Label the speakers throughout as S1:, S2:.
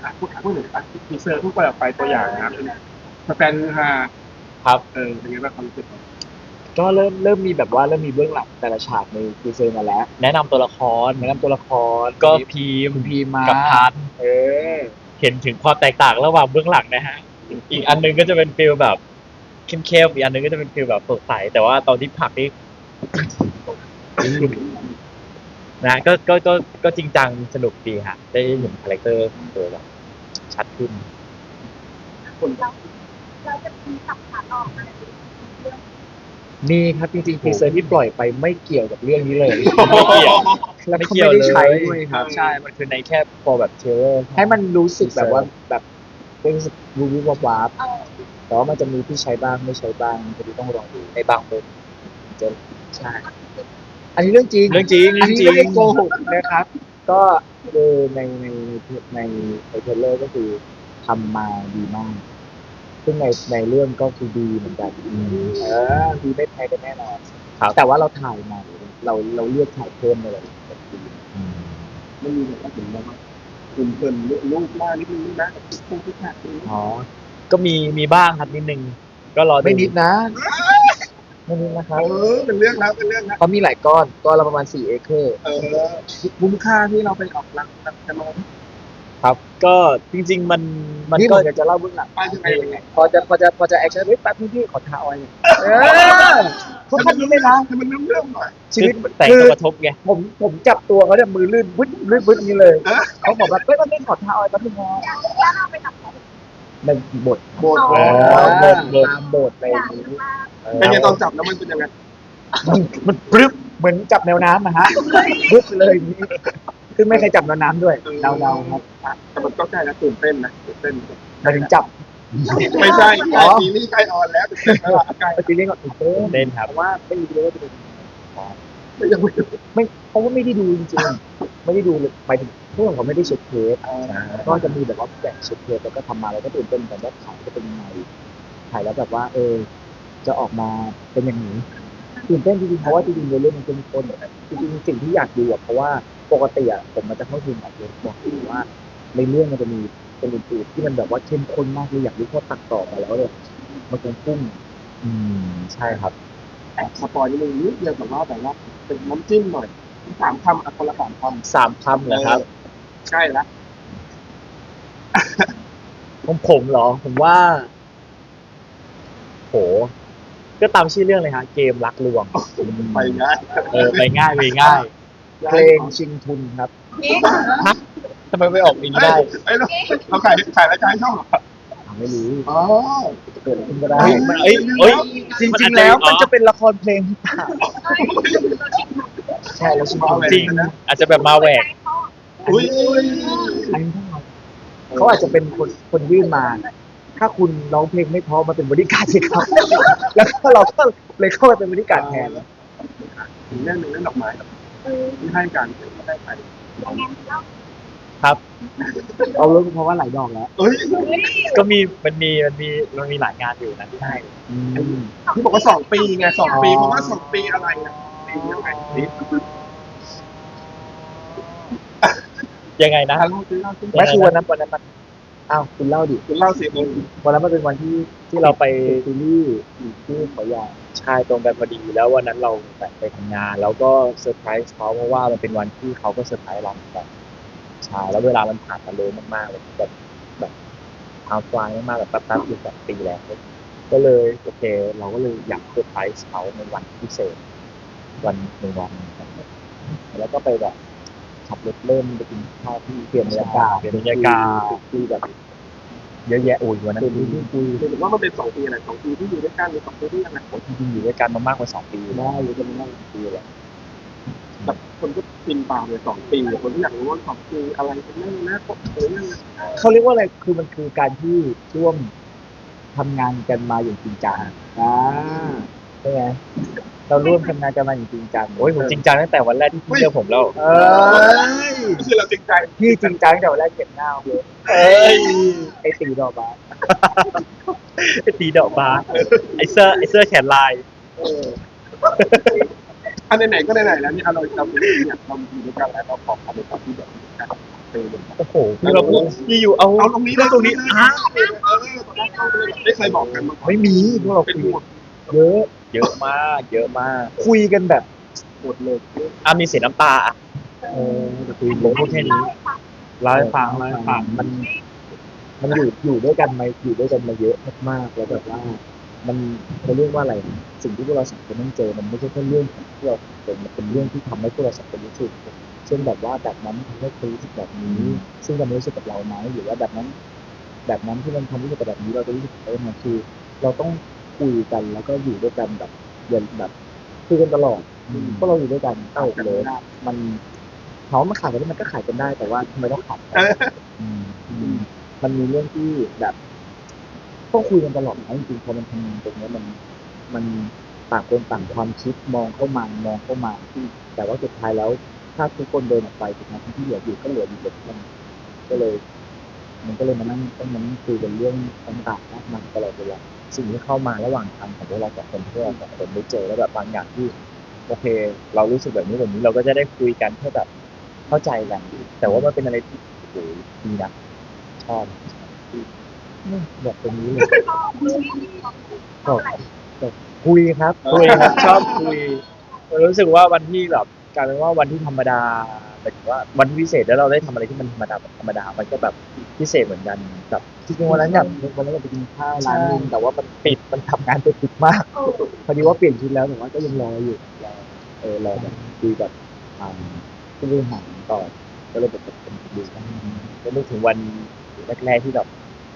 S1: พูดถึงทีเซอร์ทุกคนออกไปตัวอย่างนะครับแฟนฮา
S2: ครับ
S1: เป็นไงบ้างความรู้สึก
S3: ก็เริ่มมีแบบว่าเริ่มมีเบื้องหลังแต่ละฉากในทีเซอร์มาแล้ว
S2: แนะนำตัวละคร
S3: แนะนำตัวละคร
S2: ก็พีม
S3: คุณพีมา
S2: กับพัน
S3: เออ
S2: เห็นถึงความแตกต่างระหว่างเบื้องหลังนะฮะอีกอันหนึงก็จะเป็นฟีลแบบเข้มๆอีกอันหนึงก็จะเป็นฟีลแบบสดใสแต่ว่าตอนที่ผลักนี่นะก็จริงจังสนุกดีฮะได้เห็นคาแรคเตอร์ตัวแบบชัดขึ้น
S4: เราจะมีสับขาหลอกอะไรเรื่อง
S3: นี่ครับจริงๆทีเซอร์ที่ปล่อยไปไม่เกี่ยวกับเรื่องนี้เลย
S2: ไม่เกี่ยว
S3: แล้ว
S2: ไม่
S3: ก็
S2: เกี่ยว
S3: ไม่
S2: เล
S3: ได้
S2: ย
S3: ใช้ด้วยครับ
S2: ใช่ มันคือในแค่พอแบบเทเลอร์
S3: ให้มันรู้สึกแบบว่าแบบรู้สึกวูบวับวับ
S4: เออ
S3: แต่ว่ามันจะมีที่ใช้บ้างไม่ใช้บ้างก็ต้องลองดูในบางมุมจะใช่อันนี้เรื่องจริง
S2: เรื่องจริง
S3: อันนี้
S2: จริ
S3: ไม่ได้
S2: ง
S3: โกหกนะครับ ก็คือในเทรลเลอร์ก็คือทำมาดีมาก ซึ่งในเรื่องก็คือดีเหมือนกันดีไม่แพ้กันแน่นอน
S2: ครับ
S3: แต่ว่าเราถ่ายใหม่เราเลือกถ่ายเพิ่มเลย
S1: ไม่มีแบบว่าถึงแบบว่าคุณเกินลูกมากนิดนึงนะพูดทุกอย่าง
S3: อ๋อ
S2: ก็มีบ้างครับนิดนึง ก็รอดู
S3: ไม่นิดนะไม่นิดนะครับ
S1: เป็นเรื่องแล้วเป็นเรื่องแล้ว
S3: เขามีหลายก้อนละประมาณ4 เอเคอร์
S1: คุ้มค่าที่เราไปออกรังกันมา
S2: ครับ ก็จริงๆมัน
S3: นี่ผ
S2: ก็
S3: มอยากจะเล่าเบื้องหลัง
S1: ไปยังไง
S3: พอจะแอคชั่นแป๊บนึงพี่ขอท้าออยหน่อยทุกท่านนี้เลยนะ
S1: ให้มันเรื่องหน่อย
S3: ชีวิต
S2: แต่ง
S3: คือ
S2: ตัวกระทบไง
S3: ผมจับตัวเขาเนี่ยมือลื่นวึดนี้เลยเขาบอกว่าเฮ้ยมันไม่ขอท้าออยแป๊บนึงนะ
S4: แล้วเราไปทำอะไร
S3: ในบท
S1: โบด
S3: ตามบทอะไรอย่างนี้
S1: เป็นไงตอนจับแล้วมันเป็นยังไง
S3: มันปรึ๊บเหมือนจับแนวน้ำนะฮะปรึ๊บไปเลยอย่างนี้คือไม่เคยจับแนวน้ำด้วยเดาๆครับ
S1: แต่มันก็ใกล้แล้วตื่นเต้นนะตื่นเต้น
S3: มาถึงจับ
S1: ไม่ใช่ใกล้ปีนี้ใกล้ออนแล้วตื่นเต้นแล้วใกล้
S3: ไปตีเล่นก่อนตื่นเต้น
S2: เล่นครับ
S3: เพราะว่าไม่รู้เลยว่าจะเป็น
S1: ยังไม่
S3: เพราะว่าไม่ได้ดูจริงๆไม่ได้ดูเลยไปถึงพวกเขาไม่ได้เช็คเทปก็จะมีแบบว่าแบ่งเช็คเทปแล้วก็ทำมาแล้วก็ตื่นเต้นกันว่าถ่ายจะเป็นยังไงถ่ายแล้วแบบว่าจะออกมาเป็นอย่างนี้ตื่นเต้นจริงๆเพราะว่าจริงๆเรื่องมันเป็นคนจริงๆสิ่งที่อยากดูอะเพราะว่าปกติอะผมมันจะเข้าถึงแบบบอกอยู่ว่าในเรื่องมันจะมีเป็นอื่นๆที่มันแบบว่าเข้มข้นมากเลยอยากรู้ว่าตัดต่อมาแล้วเลยมันคงพุ่ง
S2: ใช่ครับ
S1: แอบสปอยนิดนึงนิดเดียวแต่ว่าเป็นน้ำจิ้มหน่อย3 คำอ่ะคนละ3 คำ
S2: 3 คำเหรอครับ
S1: ใกล้แล้ว
S2: ของผมเหรอ ผมว่า โห ก็ตามชื่อเรื่องเลยฮะ เกมรักลวง
S1: ไปง่าย
S2: ไปง่ายไปง่าย
S3: เพลงชิงทุนครับ
S4: นี่
S2: ทำไมไม่ออกอย่างนี้ได้
S1: ไอ้เราขายรายการช่องเหรอ
S3: ไม่รู้
S1: อ๋อ
S3: เกิดอะไรขึ้นก็ได้
S2: เอ้ย
S3: จริงๆแล้วมันจะเป็นละครเพลงหรือเปล่าใช่แล้วชิงทุน
S2: จริง อาจจะแบบมาแหวก
S1: อุ้ย
S3: อันนี้เขาอาจจะเป็นคนยื่นมา ถ้าคุณร้องเพลงไม่เพอมาเป็นบริการสิครับ แล้วก็เราก็เลยเข้าไปเป็นบริการแทน
S1: ถึงเรื่องหนึ่งเรื่องดอกไม้ที่ให้การไม่ได้ไป
S3: เอาเรื่องเพราะว่าหลายดอกแล้ว
S1: เอ้ย
S2: ก็มันมีหลายงานอยู่นะที่ให้
S1: ที่บอกว่า2 ปีไง2 ปีเพราะว่า2 ปีอะไรอ่ะปียังไงนี่
S2: ยังไงนะ
S1: เล่าซิเล่าซิ
S3: ไม่คือวันนั้นมันอ้าวคุณเล่าดิ
S1: คุณเล่าสิมึง
S3: วันนั้นมันเป็นวันที่
S2: ที่เราไป
S3: ซีรีส์ที่ขอใหญ่
S2: ใช่ตรงกันพอดีแล้ววันนั้นเราไปทำงาน แล้วก็เซอร์ไพรส์เขาเพราะว่ามันเป็นวันที่เขาก็เซอร์ไพรส์เราเหมือนกันใช่แล้วเวลามันผ่านมาเร็วมากๆเลยแบบทำฟลายมากๆแบบแป๊บๆอยู่แบบปีแล้วก็เลยโอเค เราก็เลยอยากเซอร์ไพรส์เขาในวันพิเศษวันหนึ่งวันแล้วก็ไปแบบขับรถเล่นไปกินข้าวที่
S3: เปลี่ยนบรรยากาศ
S2: เปลี่ยนบรรยากาศ
S3: คุยแบบ
S2: เยอะแยะโอ้ยวันนั้น
S3: เป็นที่คุย
S1: ถือว่ามันเป็น2 ปีอะไร2 ปีที่อยู่ด้วยกันหรือ2 ปีที่ยังไง
S2: จริงๆอยู่ด้วยกันมามากกว่า2 ปี
S3: ได้อยู่กันมานั่งคุยแหละ
S1: แบบคนก็ปินตามเลย2 ปีคนที่อยากรู้ว่า2 ปีอะไรเป็นเรื่องนะพวกเรื่อง
S3: เขาเรียกว่าอะไรคือมันคือการที่ร่วมทำงานกันมาอย่างจริงจังใช่ไหมเราร่วมทำงานกันมาอย่างจริงจัง
S2: โอ้ยผมจริงจังตั้งแต่วันแรกที่พี่เจอผมแล้ว
S3: เอ้ย
S1: คือเราจริงใจ
S3: พี่จริงจังแต่วันแรกเก็บหน้าเลย
S2: เอ้ย
S3: ไอ้ตีดอกบาส
S2: ไอ้ตีดอกบาสไอ้เสื้อแขนลาย
S1: อันไหนๆก็ไหนๆแล้วนี่เราอยากเราอยู่ด้วยกันแล้วเราขอความเป็นความที่แบบตีเลย
S2: โอ้โหคือเราพูดอยู่เอา
S1: เอาตรงนี้นะ
S2: ตรงนี้
S1: ตอนแรกเข้าไปเลยไม่เคยบอกกันมาก่อน
S3: ไม่มีพวกเรา
S1: เป็น
S3: คุย
S1: หมด
S3: เยอะ
S2: เยอะมากเยอะมาก
S3: คุยกันแบบ
S1: หมดเลย
S2: มีเสียน้ำตาอ่ะ
S3: คุย
S2: ผมพูดแค่นี้ เล่าให้ฟัง
S3: มันอยู่ด้วยกันมาอยู่ด้วยกันมาเยอะมากๆแล้วแบบว่า มันเรียกว่าอะไรสิ่งที่พวกเราสองคนต้องเจอมันไม่ใช่แค่เรื่องของที่เราเป็นมันเป็นเรื่องที่ทำให้พวกเราสองคนรู้สึกเช่นแบบว่าแบบนั้นทำให้คุณรู้สึกแบบนี้ ซึ่งมันรู้สึกกับเราไหมหรือว่าแบบนั้นที่มันทำรู้สึกกับแบบนี้เราจะรู้สึกเออมันคือ เราต้องคุยกันแล้วก็อยู่ด้วยกันแบบเย็นแบบคุยกันตลอดเพราะเราอยู่ด้วยกันเอ้าเลยมันเขามาขายกันได้มันก็ขายกันได้แต่ว่าทำไมต้องขายกันมันมีเรื่องที่แบบต้องคุยกันตลอดนะจริงๆพอมันทำงานตรงนี้มันต่างคนต่างความคิดมองเข้ามาแต่ว่าสุดท้ายแล้ว ถ้าทุกคนเดินออกไปสุดท้ายที่เหลืออยู่ก็เหลืออยู่แบบนั้นก็เลย มันก็เลยมานั่งต้องมานั่งคุยกันเรื่องต่างๆมากมายตลอดเวลาสิ่งที่เข้ามาระหว่างทางของพวกเราสองคนเพื่อสองคนได้เจอแล้วแบบบางอย่างที่โอเค เรารู้สึกแบบนี้เราก็จะได้คุยกันเพื่อแบบเข้าใจกันแต่ว่ามันเป็นอะไรที่โอ้โหดีนะชอบแบบตรงนี้เลยก็คุยครับชอบคุยรู้สึกว่าวันที่แบบกลายเป็นว่าวันที่ธรรมดาหมายถึงว่าวันที่พิเศษแล้วเราได้ทำอะไรที่มันธรรมดามันก็แบบพิเศษเหมือนกันแบบ จริงๆวันนั้นอยากไปกินข้าวร้านนึงแต่ว่ามันปิดมันทำงานปิดมากพอดีว่าเปลี่ยนชุดแล้วแต่ว่าก็ยังรออยู่รอแบบคุยกับผู้บริหารต่อก็เลยแบบเป็นดูก็นึกถึงวันแรกๆที่แบบ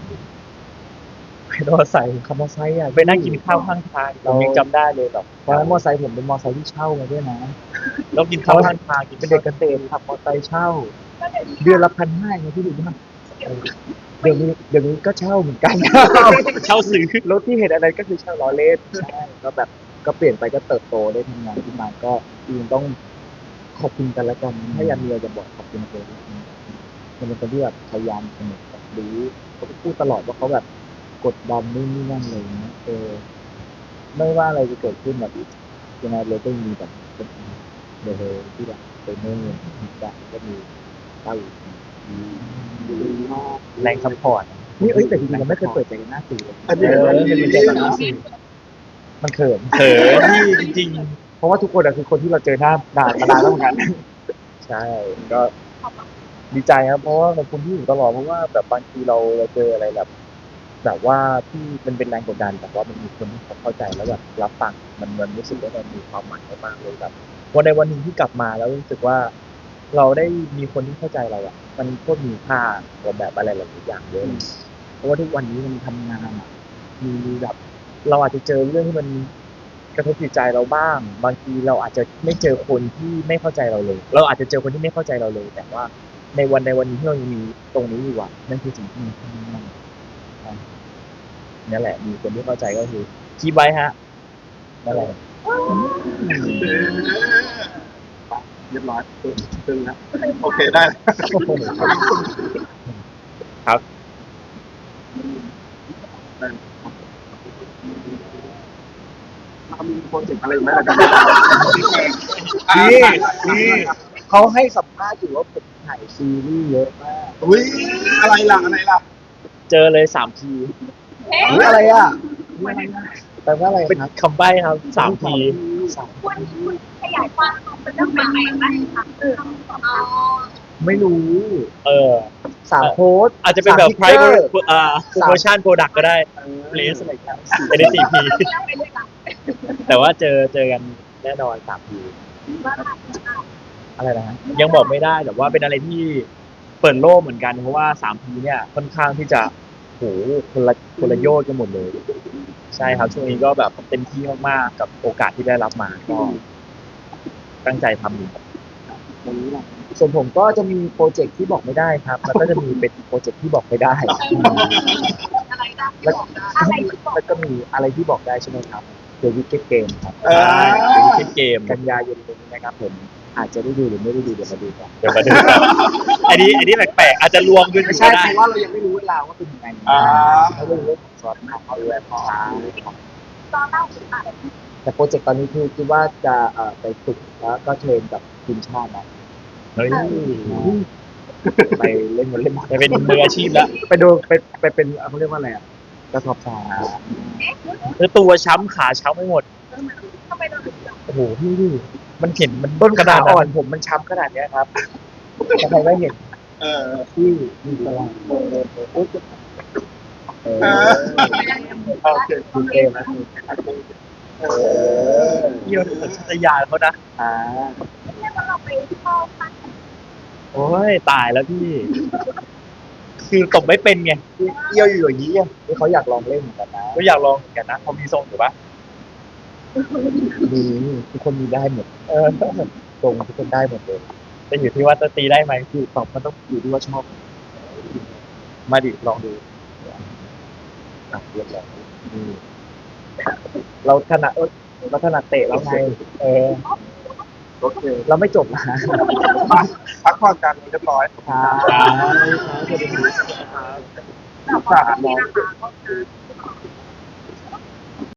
S3: ขับมอไซค์อ่ะไปนั่งกินข้าวข้างทางผมยังจำได้เลยแบบตอนนั้นมอไซค์ผมเป็นมอไซค์ที่เช่ามาด้วยนะแล้วกินข้าวข้างทางเป็นเด็กเกษตรขับมอไซค์เช่า เดือนละ1,500ไงที่ดูมากเดี๋ยวนี้ก็เช่าเหมือนกัน เช่าซื้อรถที่เห็นอะไรก็คือเช่าล้อเล่นใช่ก็แบบก็เปลี่ยนไปก็เติบโตได้ทำงานขึ้นมาก็จริงต้องขอบคุณกันและกันถ้าอยากมีอะไรจะบอกขอบคุณเลยมันเป็นคนที่แบบพยายามเสมอแบบรู้เขาพูดตลอดว่าเขาแบบกดดันนู่นนี่นั่นเลยนะไม่ว่าอะไรจะเกิดขึ้นแบบยังไงเลยก็มีแบบเลยที่แบบเป็นเมื่อแบบก็มีเต้าอยู่แรงซัพพอร์ตนี่แต่จริงๆเราไม่เคยเปิดใจกันหน้าสื่อเลย
S1: อันนี้
S3: เป็นใจกันหน้าสื่อมันเขิน
S2: ที่จริง
S3: เพราะว่าทุกคนคือคนที่เราเจอหน้าด่ามานานแล้วเหมือนกัน
S2: ๆใช่ก็ดีใจครับเพราะว่าขอบคุณที่อยู่ตลอดเพราะว่าแบบบางทีเราเจออะไรแบบว่าที่มันเป็นแรงกดดันแต่ว่ามันมีคนที่เขาเข้าใจแล้วแบบรับฟังมันรู้สึกว่ามันมีความหมายมากๆเลยแบบวันในวันหนึ่งที่กลับมาแล้วรู้สึกว่า เราได้มีคนที่เข้าใจเราอ่ะมันก็มีค่ากว่าแบบอะไรหลายอย่างเยอะเพราะว่าทุกวันนี้มันทำงานมีแบบเราอาจจะเจอเรื่องที่มันกระทบจิตใจเราบ้าง บางทีเราอาจจะไม่เจอคนที่ไม่เข้าใจเราเลย เราอาจจะเจอคนที่ไม่เข้าใจเราเลย แต่ว่าในวันนี้ที่เรายังมีตรงนี้อยู่อ่ะนั่นคือสิ่งที่มีค่ามากนั่นแหละมีคนที่เข้าใจก็คือคีบไว้ฮะนั่นแหละ
S1: เรียบร้อยตึงนะโอเคได้
S2: ครับ
S1: มีโปรเจกต์อะไรไหมล่ะ
S3: นี่เขาให้สัมภาษณ์อยู่ว่าผมถ่ายซีรีส์เยอะมาก
S1: อุ้ยอะไรล่ะ
S2: เจอเลย3 ที
S3: อะไรอ่ะแปลว่าอะไร
S2: เป็น
S3: ครับ
S2: คำใบ้ครับ3 ที
S4: คุณขยายความเป็นเรื่องใหม่ไหมคะ
S3: ไม่รู้ 3 โพสต์
S2: อาจจะเป็นแบบ
S3: 3 picture
S2: promotion product ก็ได้ place อะไรครับเป็น4 ที แต่ว่าเจอกันแน่นอน3 ที อะไรนะฮะยังบอกไม่ได้แต่ว่าเป็นอะไรที่เปิดโลกเหมือนกันเพราะว่า3 ทีเนี่ยค่อนข้างที่จะโหคนละโยชน์กันหมดเลย ใช่ครับช่วงนี้ก็แบบเต็มที่มากๆกับโอกาสที่ได้รับมาก็ตั้งใจทำอยู่ครับ
S3: ส่วนผมก็จะมีโปรเจกต์ที่บอกไม่ได้ครับแล้วก็จะมีเป็นโปรเจกต์ที่บอกไม่ได้ แล้วก็มีอะไรที่บอกได้ใช่ไหมครับเดอะวิกเก็ตเกมครับ
S2: เป็นคลิปเกม
S3: กันยายนนี้นะครับผมอาจจะได้ดูหรือไม่ได้ดูเดี๋ยวมาดูกัน
S2: เดี๋ยวมาดูกันอันนี้แปลกๆอาจจะลวงขึ้น
S3: ไม่
S2: ก็
S3: ใช่
S2: ได้
S3: เพราะว่าเรายังไม่รู้เวลาว่าเป็นยังไงเขาเรื่องของซอสของเขาด้วยพอแต่โปรเจกต์ตอนนี้คือคิดว่าจะไปฝึกแล้วก็เทรนกับทีมชาตินะ
S2: เฮ้ย
S3: ไปเล่นวอลเลย์บอล
S2: ไปเป็นมืออาชีพแล้ว
S3: ไปดูไปเป็นเขาเรียกว่าอะไรอ่ะกระสอบทราย
S2: คือตัวช้ำขาช้ำไม่หมด
S4: ทำไมเราถึง
S2: โอ้โหพี่มันเห็นมัน
S3: ต้น
S2: ข
S3: ขา
S2: นาด
S3: อ่อ
S2: นั้น น
S3: ผมมันช้ำขนาดเนี้ยครับถ้าใครไม่เห็น
S1: เออ
S3: ที่มีตลาด
S1: โอเค
S3: ดูเกมนะ
S2: เยี่ยวสัญชาตญาณเขานะ
S3: อ่า
S4: เรียกว่าเราไปเข้าพัก
S2: โอ้ยตายแล้วพี่ คือตบไม่เป็นไง
S3: เยี่ยวอยู่อย่างนี้อ่ะที่เขาอยากลองเล่นเหมือนกันนะ
S2: ก็อยากลองเหมือนกันนะพอมีทรงอยู่ปะ
S3: มีทุกคนมีได้หมด
S2: เออ
S3: ตรงทุกคนได้หมดเลย
S2: แต่อยู่ที่ว่าจะตีได้ไหม
S3: คือตอบมันต้องอยู่ที่ว่าชอบ
S2: มาดิลองดู
S3: อ่ะเรียบร้อยเราถนัดเราถนัดเตะแล้วไง
S2: เออ
S1: โอเค
S3: เราไม่จบนะ
S1: พักผ่อนกันเรียบร้อย
S3: ครับ
S4: แบบว่ามีนะคะ